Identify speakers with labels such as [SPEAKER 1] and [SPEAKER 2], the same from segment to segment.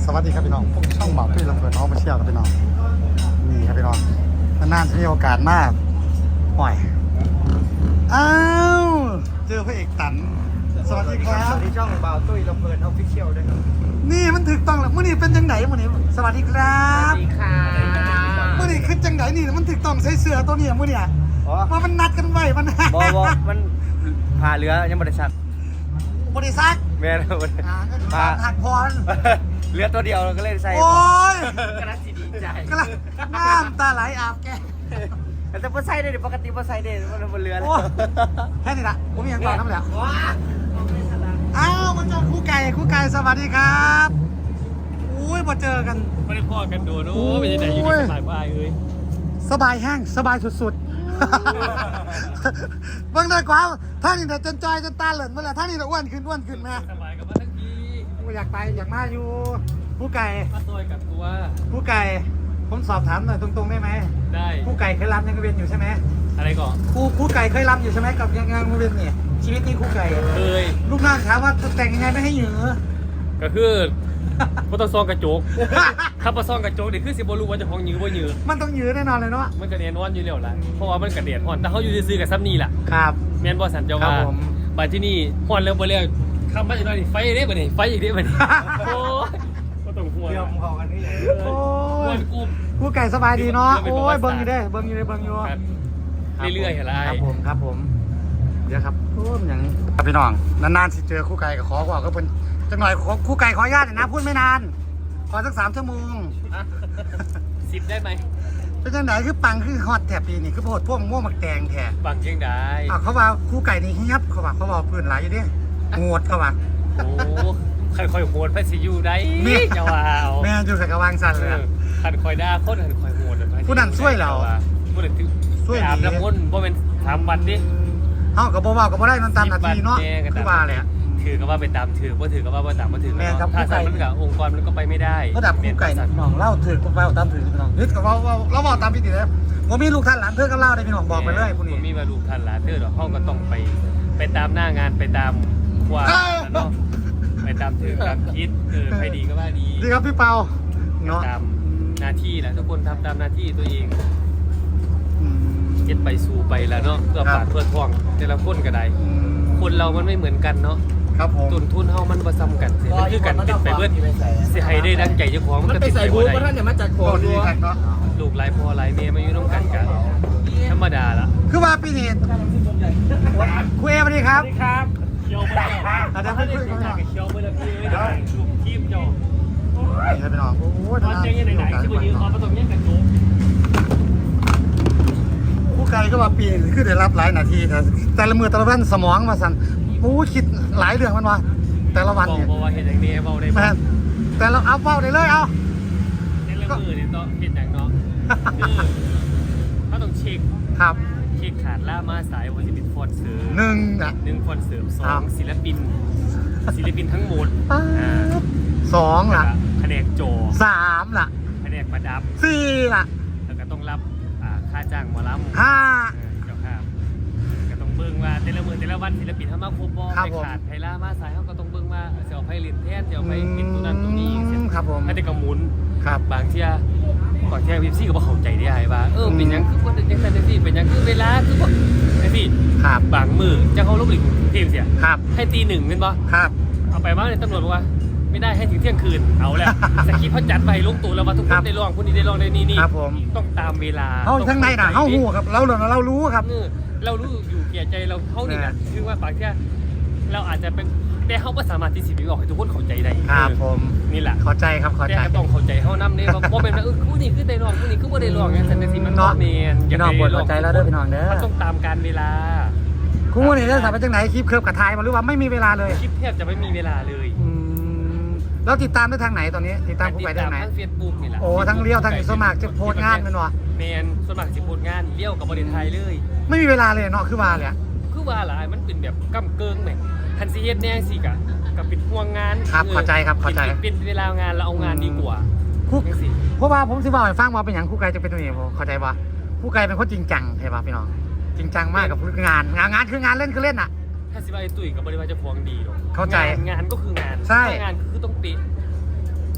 [SPEAKER 1] สวัสดีครับพี่น้องพวกช่องบ่าวพี่ลำเพลินน้องมาเชี่ยวครับพี่น้องนี่ครับพี่น้องนานๆจะมีโอกาสมากห่อยอ้าวเจอพระเอกตันสวัสดีครับ
[SPEAKER 2] สวัสดีช่องบ่าวตุ้ยลำเพลินออฟฟิเชียลด้วยครับ
[SPEAKER 1] นี่มันถึกต้องแล้วมื่อนี้เป็นจังไหนมื่อนี้สวัสดีครั
[SPEAKER 2] สวั
[SPEAKER 1] บ
[SPEAKER 2] สดีค่ะ
[SPEAKER 1] มื่อนี้คือจังไหนนี่มันถึกต้องใส่เสื้อตัวนี้มื่อนี้ว่ามันนัดกันไว้มัน
[SPEAKER 2] บมันพาเรือยังบริษัท
[SPEAKER 1] บริษัท
[SPEAKER 2] แม่นพา
[SPEAKER 1] หักพร
[SPEAKER 2] เรือตัวเดียวก็เลยใส่
[SPEAKER 1] โอ้ย
[SPEAKER 2] กระสีดีใจ
[SPEAKER 1] กำลังน้ำตาไหลอาบแก
[SPEAKER 2] แต่พอใส่ได้ปกติพอใส่ได้มันบนเรือแล้ว
[SPEAKER 1] โอ้แค่นี้ละผมมีอย่างก่อนน้ำเหลวอ้าวมาเจอคู่ไก่สวัสดีครับอุ้ยมาเจอกัน
[SPEAKER 3] ไม่ได้พ่อกันดูนู้เป็นยังไงอยู่ที่สายบ้ายเอ้ย
[SPEAKER 1] สบายแห้งสบายสุดๆ เบิ่งได้กว่าท่านี่แต่จนจอยจนตาเหลินเมื่อไหร่ท่านี่แต่อ้วนขึ้นแม่
[SPEAKER 3] สบายกับมาทั้งที
[SPEAKER 1] อยากไปอยากมาอยู่คู่ไก่
[SPEAKER 3] มาซอยกับตัว
[SPEAKER 1] คู่ไก่ผมสอบถามหน่อยตรงๆได้ไหม
[SPEAKER 3] ได้
[SPEAKER 1] คู่ไก่เคยรำยังกระเวียนอยู่ใช่ไหม
[SPEAKER 3] อะไรก่อน
[SPEAKER 1] คู่ไก่เคยรำอยู่ใช่ไหมกับยังกระเวียนนี่ชีวิตนี้คู่ไก่
[SPEAKER 3] เคย
[SPEAKER 1] ลูกน้องถามว่าแต่งยังไงไม่ให้เหยือ
[SPEAKER 3] ก็คือพอต้องซองกระจกถ้าพอซองกระจกนี่คือสิบรู้ว่าจะห้องยื้อว่ายื้อ
[SPEAKER 1] มันต้องเหยือแน่นอนเลยเนาะ
[SPEAKER 3] มันกระเด็นนอนอยู่แล้วล่ะเพราะว่ามันกระเด็นห่อนแต่เขาอยู่ซื้อกับซับนี่แหละ
[SPEAKER 1] ครับ
[SPEAKER 3] แมนบอสันเจ้าว่า
[SPEAKER 1] ครับผม
[SPEAKER 3] บ้านที่นี่ห่อนแล้วบ่แล้วคำบ้านจะน้อยนี่ไฟได้บ่นี่ไฟอีกได้บ่นี่โอ้ยก็ต้องห่วง
[SPEAKER 2] เดี๋ยวผมขอกันนี่
[SPEAKER 1] โอ้
[SPEAKER 3] ห่วย นกู
[SPEAKER 1] คู่ไก่สบายดีเนาะ
[SPEAKER 3] เรื่
[SPEAKER 1] โอ้
[SPEAKER 3] อง
[SPEAKER 1] ย
[SPEAKER 3] เป็นประวัติศาสตร์
[SPEAKER 1] เบิ่งอยู่
[SPEAKER 3] ครับเรื่อยๆเห็นไร
[SPEAKER 1] ครับผมเดี๋ยวครับโอ้ยอย่างครับพี่น้องนานๆสิเจอคู่ไก่ก็ขอว่าก็เป็นจังหน่อยคู่ไก่ขออนุญาตหน่อยนะพูดไม่นานขอสัก3 ชั่วโมง
[SPEAKER 3] 10ได้ไหม
[SPEAKER 1] เป็นจังไหนคือปังคือฮอตแถบปีนี่คือโพดพวกม่วงหมักแดงแถบ
[SPEAKER 3] บังยังได้
[SPEAKER 1] เขาว่าคู่ไก่นี่เฮียบเขาว่าเพื่อนหลายอยู่ดิโงดเขาว่า
[SPEAKER 3] โอ้ค่อยๆโหดไปสิอยู่ได้
[SPEAKER 1] เนี่ย
[SPEAKER 3] จะว่าเอา
[SPEAKER 1] แม่อยู่ใส่กระวังสั่นเลยอะ
[SPEAKER 3] ขันคอยด่าคนขันคอยโหด
[SPEAKER 1] ผู้นั้นช่วยเรา
[SPEAKER 3] ผู้นั้น
[SPEAKER 1] ช่วยดี
[SPEAKER 3] อาบน้ำมนต์บ่เป็นถามบัตรดิ
[SPEAKER 1] เฮากับบ่เว้ากับบ่ได้มันตามหน้าที่เนาะ
[SPEAKER 3] แม่ก็
[SPEAKER 1] คือ
[SPEAKER 3] ตาม
[SPEAKER 1] ว่าแหละ
[SPEAKER 3] ถือก็ว่าไปตามถือบ่ถือก็ว่าตามบ่ถือ
[SPEAKER 1] แม่ครับ
[SPEAKER 3] ถ้า
[SPEAKER 1] ผู้ไก่
[SPEAKER 3] สั่นมันกับองค์กรมันก็ไปไม่ได้
[SPEAKER 1] ระดับคู่ไก่นี่พี่น้องเล่าถือกับเว้าตามถือพี่น้องนึกกับเว้าเราเว้าตามพี่ติแล้วผมมีลูกท่านหลานเพื่อนกับเล่าได้พี่น้องบอกไปเลยพวกนี้
[SPEAKER 3] ผมมีมาลูกท่านหลานเธอดอกห้องก็ต้องไปตามหน้างานไปตามความ
[SPEAKER 1] เอ้า
[SPEAKER 3] เนาะไปตามถือตามคิดใครดีก็ว่าดี
[SPEAKER 1] ดีครับพี่เปาเนาะ
[SPEAKER 3] ตามหน้าที่แหละทุกคนทำตามหน้าที่ตัวเอง
[SPEAKER 1] อืม
[SPEAKER 3] เก็บไปสู่ไปแล้วเนาะเพื่อ
[SPEAKER 1] ครับ
[SPEAKER 3] ปากเพื่อท้องแต่ละคนก็ได้
[SPEAKER 1] อืม
[SPEAKER 3] คนเรามันไม่เหมือนกันเนาะ
[SPEAKER 1] ครับผม
[SPEAKER 3] ต้นทุนเฮามันบ่ซ้ำกันสิมันคือกันติดไปเบิดสิให้ได้ดังใจเจ้าของมันก็ติดไปบ่ได้
[SPEAKER 2] ท่านเนี่ยมาจากโข
[SPEAKER 1] ก็
[SPEAKER 2] ง
[SPEAKER 1] ดีครับเนาะ
[SPEAKER 3] ลูกหลายพ่อหลายแม่มาอยู่นำกันกันธรรมดาล่ะ
[SPEAKER 1] คือว่าปีนี้คุยเอสวัสดีครับ
[SPEAKER 3] ครับเคียวบ่ได้
[SPEAKER 1] อาจจะไม่คุยกันหน่อย
[SPEAKER 3] เคียวบ่ได้พี่ได้ลูกทีมเจ้า
[SPEAKER 1] นี่ครับพี่น้องโอ้ย
[SPEAKER 3] ตอนเจ๊งยังไหนๆสิบ่ยืนขอบ่ต้องแย่งกันโจม
[SPEAKER 1] คู่ไก่ก็ว่าปีนี้คือได้รับหลายนาทีแต่ละมือแต่ละวันสมองมาสั่นโอ้คิดหลายเรื่องมันว่าแต่ละวัน
[SPEAKER 3] บอก
[SPEAKER 1] เนี่ย
[SPEAKER 3] ว่าเฮ็ดจังนี้เว้าได้บ่
[SPEAKER 1] แม่นแต่เราเอาเป้าได้เลยเอา
[SPEAKER 3] ในละมือนี่ต้องเฮ็ดจังเนาะคือเฮาต้องเช็ค
[SPEAKER 1] ครับ
[SPEAKER 3] เช็คขาดล่ามาสายว่าสิเป็นฟอนเสริม
[SPEAKER 1] หนึ่งอ่ะ
[SPEAKER 3] 1ฟอนเสริม
[SPEAKER 1] ครับ
[SPEAKER 3] 2ศิลปินทั้งหมด
[SPEAKER 1] สองล่ะ
[SPEAKER 3] แผนกโจ
[SPEAKER 1] สามล่ะ
[SPEAKER 3] แผนกประดับ
[SPEAKER 1] สี่ล่ะ
[SPEAKER 3] แล้วก็ต้องรับค่าจ้างหมอลำ
[SPEAKER 1] ห้า
[SPEAKER 3] เจ้าค่ะก็ต้องเบิ่งว่าแต่ละมื้อแต่ละวันศิลปินเขามาครบบ่
[SPEAKER 1] ครับ
[SPEAKER 3] ไป
[SPEAKER 1] ผม
[SPEAKER 3] ขาดไผล่ามาสายเขาก็ต้องเบิ่งว่าจะเอาไผเล่นแทนจะเอาไผปิดตัวนั้นตัวนี้เสร็จ
[SPEAKER 1] ครับผม
[SPEAKER 3] ถ้าแต่ก็หมุน
[SPEAKER 1] ครับ
[SPEAKER 3] บางเที่ยวิปซี่ก็บ่เข้าใจได้ว่าเป็นหยังคือบ่จังซั่นจังซี่เป็นหยังคือเวลาคือบ่จังซี่
[SPEAKER 1] ครับ
[SPEAKER 3] บางมื้อจังเขาลบหลีกทีมเสีย
[SPEAKER 1] ครับ
[SPEAKER 3] ให้ตีหนึ่งแม่นบ่
[SPEAKER 1] ครับ
[SPEAKER 3] เอาไปมาเนี่ยตำรวจบอกว่าไม่ได้ให้ถึงเที่ยงคืนเอาแล้ว สคริปต์เขาจัดไปลงตัวแล้วว่าทุกคนได้ลองคนนี้ได้ลองได้นี่
[SPEAKER 1] ครับผม
[SPEAKER 3] ต้องตามเวลา
[SPEAKER 1] เขาทั้งในน่ะเขาหูครับเรารู้ครับ
[SPEAKER 3] เรารู้อยู่แก่ใจเราเขานี่นะคือว่าบางทีเราอาจจะเป็นแต่เขาไม่สามารถที่สิบวิบอกให้ทุกคนเข้าใจได้
[SPEAKER 1] ครับผม
[SPEAKER 3] นี่แหละ
[SPEAKER 1] เข้าใจครับเข้า
[SPEAKER 3] แต่
[SPEAKER 1] ใจ
[SPEAKER 3] ก็ต้องเข้าใจเขานำเนี่ยว่าเป็นว่าคู่นี้คือได้ลองคู่นี้คือว่าได้ลองอย่างนั้นแต่สิมัน
[SPEAKER 1] เนาะ
[SPEAKER 3] เมน
[SPEAKER 1] พี่น้องปวดหัวใจแล้วเด้อพี่น้องเด้อ
[SPEAKER 3] มันต้องตามการเวลา
[SPEAKER 1] คู่มือนี่เรื่องสายเป็นจังไหนคลิปเคิร์ฟกับทายมาหรือว่าไม่มีเวลาเลย
[SPEAKER 3] คลิปแทบจะไม่มีเวลาเลย
[SPEAKER 1] แล้วติดตามได้ทางไหนตอนนี้ ติดตามคู่ไก่ได้ทางไหน
[SPEAKER 3] ทั้งเฟซบุ๊กนี่แหละ
[SPEAKER 1] โอ้ทั้งเลี้ยวทั้งสมัครจะโพสต์งานแมันวะ
[SPEAKER 3] แมนสมัครสิโพสต์งานเลี้ยวกับบริษัทไทยเลย
[SPEAKER 1] ไม่มีเวลาเลยเนาะคือว่าเลยอะ
[SPEAKER 3] คือว่าหลายมันเป็นแบบก้ำเกิงแหม่ทันซีเฮ็ดแน่สิกะกับเป็นห่วงงาน
[SPEAKER 1] ครับเข้าใจครับเข้าใจ
[SPEAKER 3] เป็นเวลางานเราเอางานดีกว่า
[SPEAKER 1] คู่
[SPEAKER 3] จังสิ
[SPEAKER 1] เพราะว่าผมสิบอกให้ฟังว่าเป็นอย่างคู่ไก่จะเป็นตัวนี้ผมเข้าใจว่าคู่ไก่เป็นคนจริงจังใช่ป่ะพี่น้องจริงจังมากกับงานคืองานเล่นคือเล่นอ่ะ
[SPEAKER 3] ถ้าสิว่าไอ้ตุ้ยกับบริษัทจะพวงดีหรอก
[SPEAKER 1] เข้าใจ
[SPEAKER 3] งานก็คืองาน
[SPEAKER 1] ใช่
[SPEAKER 3] งานคือต้องเป๊ะคือคอย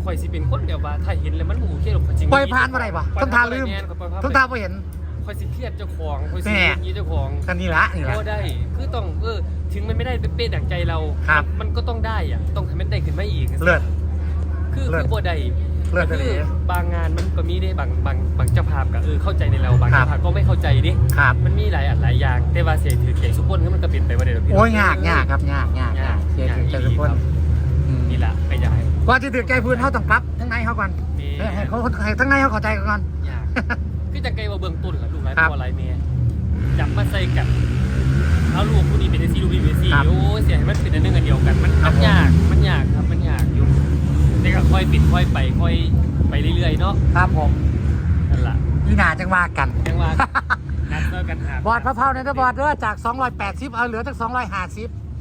[SPEAKER 3] ข่อยสิเป็นคนเดียวว่าถ้าเห็นแล้วมันโอเคหรอกจริง
[SPEAKER 1] ปล่อยผ่านมาได้ปะต้นทางลืมต้นทางไปเห็น
[SPEAKER 3] ข่อยสิเครียดเจ้าของข่อยสิอย่างนี้เจ้าของ
[SPEAKER 1] กันนี่ละนี่ละ
[SPEAKER 3] ก็ได้คือต้องถึงมันไม่ได้เป๊ะๆดั่งใจเรา
[SPEAKER 1] ครับ
[SPEAKER 3] มันก็ต้องได้อ่ะต้องทำให้ได้ขึ้นมาอีก
[SPEAKER 1] เลิศ
[SPEAKER 3] คือบ่ได้
[SPEAKER 1] เลิศ
[SPEAKER 3] คื
[SPEAKER 1] เลย
[SPEAKER 3] บางงานมันก็มีได้บางเจ้าภาพก็เข้าใจในเราบาง
[SPEAKER 1] ครับ
[SPEAKER 3] เจ้าภาพก็ไม่เข้าใจดิ
[SPEAKER 1] ครับ
[SPEAKER 3] มันมีหลายอย่างแต่ว่าเสียงถือเก่งสุกคนมันก็เปลี่ยนไปว่าเดี๋ยวพี่
[SPEAKER 1] โอ้ยยากครับยากเจ๊ถึงจะทุกคน
[SPEAKER 3] นี่แหละไปย้าย
[SPEAKER 1] กว่าจะถึงใจพื้นเขาต้องปรับทั้งในเขาก่อนให้เขาทั้งในเขาเข้าใจก่อน
[SPEAKER 3] ยากคือจังไกว่าเบื้องต้นกับลูกหลาย
[SPEAKER 1] ครับ
[SPEAKER 3] พ่อหลายแม่จับมาใส่กันเอาลูกผู้นี้เป็นซีลูกนี้เป็นซี
[SPEAKER 1] ครับ
[SPEAKER 3] โอ้เสียให้มันเป็นอันหนึงอันเดียวกันมันยากครับมันยากอยู่แต่ก็ค่อยปิดค่อยไปค่อยไปเรื่อยๆเนาะ
[SPEAKER 1] ครับผม
[SPEAKER 3] นั่นแหละ
[SPEAKER 1] พี่นาจังว่ากัน
[SPEAKER 3] ยังว่านัดเจอกันหา
[SPEAKER 1] บอดพะเพราเนี่ยนะบอดเด้อจาก280เอาเหลือจาก250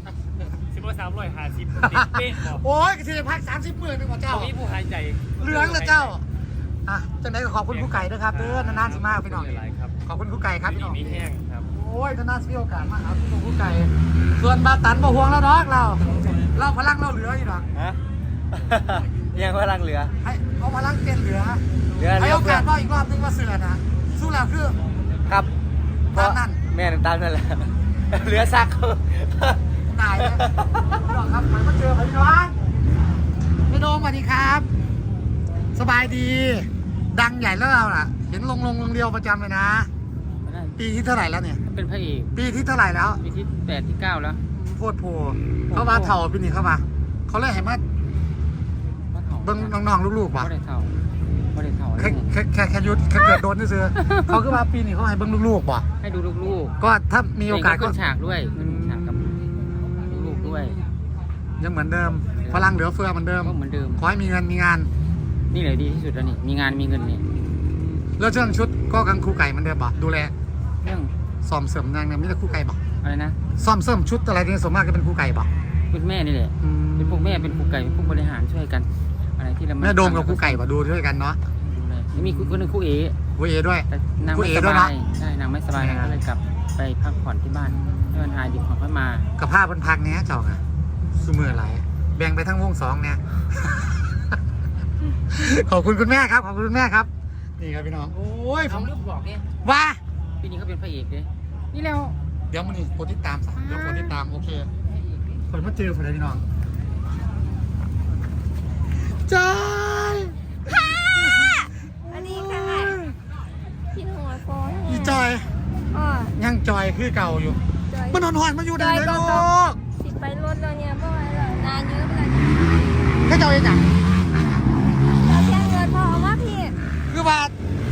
[SPEAKER 3] 350เป๊ะบอก
[SPEAKER 1] โอ้ยกระเทียมพัก30 มื้อนึงว่าเจ้า
[SPEAKER 3] มีผู้หายใจ
[SPEAKER 1] เหลืองเลยเจ้าอ่ะจังไดก็ขอบคุณผู้ไก่ด้วยครับเด้อนานๆสิมาพี่น้อง
[SPEAKER 3] หลายครับ
[SPEAKER 1] ขอบคุณผู้ไก่ครับพี่น้อง
[SPEAKER 3] มีแห้งครับ
[SPEAKER 1] โอ้ยนานๆสิมีโอกาสมาหาผู้ไก่ส่วนบาตันบ่ห่วงแล้วดอกเราพลังเราเหลืออยู่ดอก
[SPEAKER 2] ฮะ ยังพลังเหลือ
[SPEAKER 1] ให้เอาพลังเต็นเหลือ
[SPEAKER 2] เหลือ
[SPEAKER 1] ให้
[SPEAKER 2] เย
[SPEAKER 1] โอ
[SPEAKER 2] อะเพื่
[SPEAKER 1] กา
[SPEAKER 2] อ
[SPEAKER 1] สว่าอีกรอบนึงว่าเสือนะสู้แล้วคือ
[SPEAKER 2] ครับ
[SPEAKER 1] ตามนั้น
[SPEAKER 2] แม่ตามนั่นแหละเหลือซัก
[SPEAKER 1] ตายเลยพี่น้องครับมันมาเจอพี่น้องพี่โดมสวัสดีครับ สบายดี ดังใหญ่แล้วเราล่ะ เห็นลงเรียวประจำเลยนะ ปีที่เท่าไหร่แล้วเนี่ย
[SPEAKER 3] เป็นพระเอก
[SPEAKER 1] ปีที่เท่าไหร่แล้ว
[SPEAKER 3] ปีที่8ที่9แล้ว
[SPEAKER 1] โพดโพเขามาเถ่าปีนี้เข้ามาเขาเลยให้มาเบิ้งน้องๆลูกๆป่ะ
[SPEAKER 3] บ่ได้เท่า
[SPEAKER 1] แค่ยุดแค่เกิดโดนนี่ซื้อเขาคือว่าปีนี้เขาให้เบิ้งลูกๆป่ะ
[SPEAKER 3] ให้ดูลูก
[SPEAKER 1] ก็ถ้ามี
[SPEAKER 3] ๆ
[SPEAKER 1] โอกาสก็
[SPEAKER 3] ขึ้นฉากด้วยขึ้นฉากกับลูกๆด้วย
[SPEAKER 1] ยังเหมือนเดิมพลังเหลือเฟือเหมือนเดิม
[SPEAKER 3] ก็เหมือนเดิม
[SPEAKER 1] ขอให้มีเงินมีงาน
[SPEAKER 3] นี่เลยดีที่สุดแล้วนี่มีงานมีเงินนี่
[SPEAKER 1] แล้วเรื่องชุดก็กังครูไก่เหมือนเดิมป่ะดูแล
[SPEAKER 3] เรื่อง
[SPEAKER 1] ซ่อมเสริมนางเนี่ยมีแต่ครูไก่ป่ะ
[SPEAKER 3] อะไรนะ
[SPEAKER 1] ซ่อมเสริมชุดอะไรเนี่ยส่วนมากจะเป็นครูไก่ป่ะ
[SPEAKER 3] เป็นแม่นี่แหละเป็นพวกแม่เป็นครูไก่เป็นพวกบริหารช่วยกัน อะไรที่เรา
[SPEAKER 1] แม่โดมกับครูไก่ป่ะดูด้วยกันเนาะ
[SPEAKER 3] ดูแลแล้วมีคนหนึงครูเอ
[SPEAKER 1] ครูเอด้วย
[SPEAKER 3] แต่นาง
[SPEAKER 1] ครู
[SPEAKER 3] ไม่
[SPEAKER 1] เอ
[SPEAKER 3] ส
[SPEAKER 1] ด้วย
[SPEAKER 3] บา
[SPEAKER 1] นะ
[SPEAKER 3] ยใช่นางไม่สบายนางก็เลยกลับไปพักผ่อนที่บ้านให้มันหายดีก่อนค่อยมา
[SPEAKER 1] กับผ้าบนพักเนี้ยเจ้าค่ะซูมืออะไรแบ่งไปทั้งวง2เนี่ย ขอบคุณคุณแม่ครับขอบคุณคุณแม่ครับนี่ครับพี่น้องโอ้ยผ
[SPEAKER 3] ผม
[SPEAKER 1] ม
[SPEAKER 3] ลืมบอกเอง
[SPEAKER 1] ว่า
[SPEAKER 3] ปีนี้เขาเป็นพระเอกเลยนี่แล้ว
[SPEAKER 1] เดี๋ยวมันนี่โปรติดตามซะเดี๋ยวโปรติดตามโอเคเปิดมาเจอคนไหนพี่น้องจอย
[SPEAKER 4] อันนี้ค่ะพี่หัวโฟน
[SPEAKER 1] อีจอย
[SPEAKER 4] อ๋อ
[SPEAKER 1] ยังจอยคือเก่าอยู่
[SPEAKER 4] จอย
[SPEAKER 1] มันหอนๆมาอยู่ได้เลย
[SPEAKER 4] จอย
[SPEAKER 1] ลู
[SPEAKER 4] ก็
[SPEAKER 1] ก
[SPEAKER 4] สิไปรถแล้วเนี่ยเพราะว่าเรานานเยอะเลย
[SPEAKER 1] ให้เจ้าเองจัง
[SPEAKER 4] เราแค่เงินพอเอาว่าพี่
[SPEAKER 1] คือว่า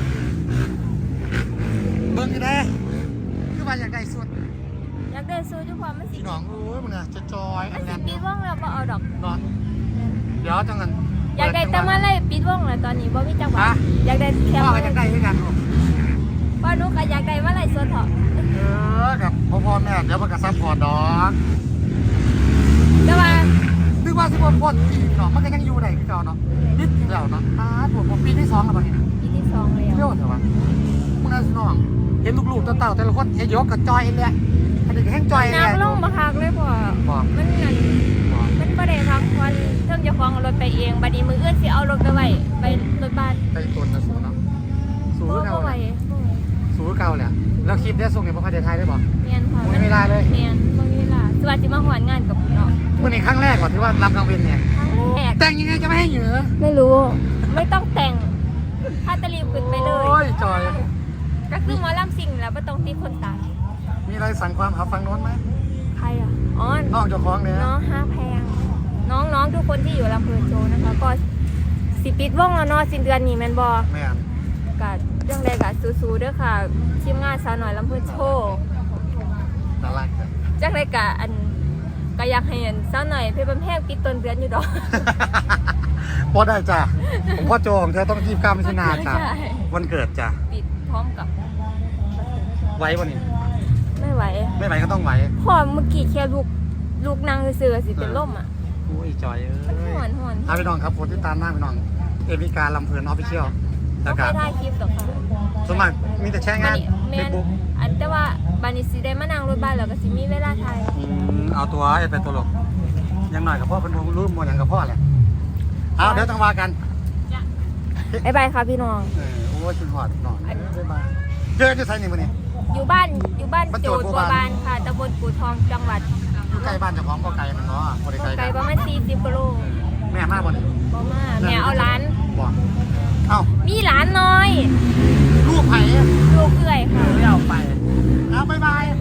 [SPEAKER 1] เบิ่งอยู่ได้คือว่าอยากได้สุด
[SPEAKER 4] อยากได้ซูจุความมันสิ
[SPEAKER 1] พี่น้องโอ้ยมึงอะจะจอย
[SPEAKER 4] มั
[SPEAKER 1] อั
[SPEAKER 4] น
[SPEAKER 1] น
[SPEAKER 4] สิ
[SPEAKER 1] นั้น
[SPEAKER 4] ปิดว่องแล้วบ่เอาดอก
[SPEAKER 1] เนาะเดี๋ยวจังกัน
[SPEAKER 4] อยากได้แต่มาเลยปิดว่องแล้วตอนนี้บ่มีจังหวะอยากได้แค่
[SPEAKER 1] พ่อก็อยากได้ด้วยกันลูก
[SPEAKER 4] ว่านุก็อยากได้มาเลยส่วนเถาะ
[SPEAKER 1] กับพ่อแม่เดี๋ยวมันก็ซัพพอร์ตดอก
[SPEAKER 4] แต่ว่า
[SPEAKER 1] นึกว่าสิบพ่นปีเนาะมันก็ยังอยู่ได้คือเก่าเนาะนิดเดียวเนาะผมปีที่2แล้วบัดนี้
[SPEAKER 4] ปีที่2แล้ว
[SPEAKER 1] เที่ยวเถอะวะมึงน่าสิน้องเห็นลูกๆเต่าๆแต่ละคนเฮยกกับจอยเลยอันนี้ก็แห้งจอยเลย
[SPEAKER 4] น้ำลงบ่คักเลยพ่อ
[SPEAKER 1] บอก
[SPEAKER 4] มันนั่นมันบ่ได้พักผ่อนเทิงเจ้าของเอารถไปเองบัดนี้มื้ออื่นสิเอารถไปไว้ไปรถบ้าน
[SPEAKER 1] ไปตัวนะสูเนาะสู
[SPEAKER 4] บ่
[SPEAKER 1] เก่า
[SPEAKER 4] บ่ไหวบ่ไหว
[SPEAKER 1] สูเก่าแหละแล้วคลิปได้ส่งเนี่ยพ่อใครไทยได้บอก
[SPEAKER 4] เมียนค่ะ
[SPEAKER 1] ไม่มีเวลาเลย
[SPEAKER 4] เมียนไม่มีเวลาสวัสดีมาหวานงานกับเนาะ
[SPEAKER 1] เมื่อในครั้งแรกก่อนที่ว่ารับกลางเวนเนี่ย
[SPEAKER 4] ครั้งแรก
[SPEAKER 1] แต่งยังไงจะไม่ให้เหยื่อ
[SPEAKER 4] ไม่รู้ ไม่ต้องแต่งถ้าตะลีบขึ้นไปเล
[SPEAKER 1] โอ้
[SPEAKER 4] ย
[SPEAKER 1] ยจอย
[SPEAKER 4] ก็คือหมอลำสิ่งแล้วไม่ต้องตีคนตาย
[SPEAKER 1] มีอะไรสั่งความหาฟังโน้นไหม
[SPEAKER 4] ใครอ่ะอ๋อ
[SPEAKER 1] น้องเจ้าของเนี่ย
[SPEAKER 4] น้องห้าแพงน้องทุกคนที่อยู่ลำเพลินโชว์นะคะก็สิปิดว่องแล้วเนาะสิ้นเดือนนี้แมนบอ
[SPEAKER 1] แม่น
[SPEAKER 4] กัดเรื่องใดกัดสู้ๆเด้อค่ะทีมงานสาวหน่อยลำเพลินโชว์
[SPEAKER 1] น่ารักจัง
[SPEAKER 4] จังไรกะอันก็อยากให้อันสาวหน่อยเพื่อนแพงปิดต้นเดือนอยู่ดอก
[SPEAKER 1] พอได้จ้ะผมพ่อโจของเธอต้อง29 มิถุนายนจ้ะ
[SPEAKER 4] ใช่
[SPEAKER 1] วันเกิดจ้ะ
[SPEAKER 4] ปิดพร้อมกับ
[SPEAKER 1] ไว้วันนี้
[SPEAKER 4] ไม่ไหว
[SPEAKER 1] ไม่ไหวก็ต้องไหว
[SPEAKER 4] พอเมื่อกี้แค่ลูกนางเสือสิเป็นล่มอ่ะ
[SPEAKER 1] โอ้ยจอยเอ้
[SPEAKER 4] มัน
[SPEAKER 1] ย
[SPEAKER 4] หอน
[SPEAKER 1] เอาพี่น้องครับโพสต์ติดตามหน้าพี่น้องเอวิการลำเพลินออฟฟิเชียล
[SPEAKER 4] ก็
[SPEAKER 1] แล้ว
[SPEAKER 4] ไป
[SPEAKER 1] ก็
[SPEAKER 4] ถ่ายคลิปดอกค่ะ
[SPEAKER 1] สมัครมีแต่แชร์งาน
[SPEAKER 4] แม
[SPEAKER 1] เฟซ
[SPEAKER 4] น
[SPEAKER 1] บุ๊ก
[SPEAKER 4] อันแต่ว่าบานิสิได้มานั่งรถบ้านแล้วก็สิมีเวลาถ่าย
[SPEAKER 1] เอาตัวไอ้เป็นตัวหลกยังหน่อยกับพ่อเป็นวงรุ่มมวลอย่างกับพ่อแหละเอาเดี๋ยวต้องว่ากัน
[SPEAKER 4] บ๊ายบายค่ะพี่น้อง
[SPEAKER 1] โอ้ยคุณหอดหน่อยบ๊ายบายเจอที่ไซนี่มื้อนี้
[SPEAKER 4] อยู่บ้านโจทย์บัวบานค่ะตำบลกู่ทองจังหวัด
[SPEAKER 1] อยู่ใกล้บ้านเจ้าของบ่ไกลมันเนาะบ่ได้ไกล
[SPEAKER 4] ไกลประมาณ40กิโล
[SPEAKER 1] แม่มาบ่นี่
[SPEAKER 4] บ่มาแม่เอาหลาน
[SPEAKER 1] บ่เอ้า
[SPEAKER 4] มีหลานน้อย
[SPEAKER 1] ลูกไผ
[SPEAKER 4] ลูกเอื้อยค่ะ
[SPEAKER 2] ไม่เอาไป
[SPEAKER 1] เอาบ๊ายบาย